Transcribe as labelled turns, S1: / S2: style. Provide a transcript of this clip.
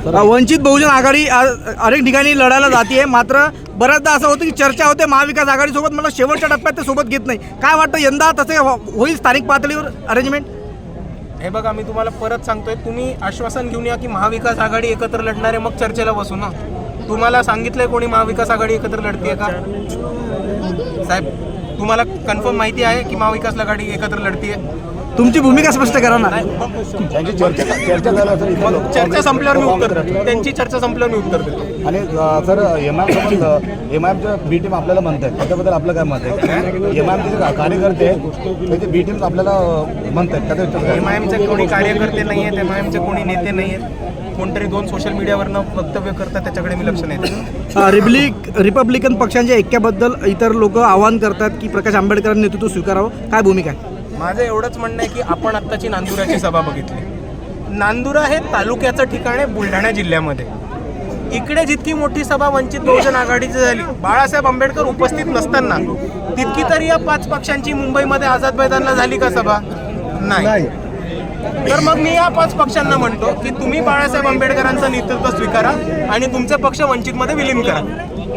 S1: वंचित बहुजन आघाडी अनेक ठिकाणी लढायला जाते, मात्र बऱ्याचदा असं होतं की चर्चा होते महाविकास आघाडीसोबत, मला शेवटच्या टप्प्यात ते सोबत घेत नाही. काय वाटतं यंदा तसे होईल स्थानिक पातळीवर अरेंजमेंट?
S2: हे बघा, मी तुम्हाला परत सांगतोय, तुम्ही आश्वासन घेऊन या की महाविकास आघाडी एकत्र लढणारे, मग चर्चेला बसू ना. तुम्हाला सांगितलंय कोणी महाविकास आघाडी एकत्र लढते का? साहेब, तुम्हाला कन्फर्म माहिती आहे की महाविकास आघाडी एकत्र लढतीये?
S1: तुमची भूमिका स्पष्ट करा ना.
S2: चर्चा संपल्यावर मी उत्तर देतो. त्यांची चर्चा संपल्यावर मी उत्तर देतो.
S3: आणि सर एमआयएमच्या बी टीम आपल्याला म्हणतात, त्याच्याबद्दल आपलं काय मत आहे? एमआयएमचे जे कार्यकर्ते त्याचे बी टीम आपल्याला म्हणतात,
S2: एमआयएमचे कोणी कार्यकर्ते नाही आहेत, एमआयएमचे कोणी नेते नाही आहेत. कोणतरी दोन सोशल मीडियावरनं वक्तव्य करतात, त्याच्याकडे मी लक्ष नाही देत.
S1: रिपब्लिकन पक्षांच्या ऐक्याबद्दल इतर लोक आवाहन करतात की प्रकाश आंबेडकरांनी नेतृत्व स्वीकारावं, काय भूमिका आहे?
S2: माझं एवढंच म्हणणं आहे की आपण आत्ताची नांदुराची सभा बघितली. नांदुरा हे तालुक्याचं ठिकाण आहे बुलढाणा जिल्ह्यामध्ये. इकडे जितकी मोठी सभा वंचित बहुजन आघाडीची झाली, बाळासाहेब आंबेडकर उपस्थित नसताना, तितकी तरी या 5 पक्षांची मुंबईमध्ये आझाद मैदानला झाली का सभा? नाही. तर मग मी या 5 पक्षांना म्हणतो की तुम्ही बाळासाहेब आंबेडकरांचं नेतृत्व स्वीकारा आणि तुमचे पक्ष वंचितमध्ये विलीन करा.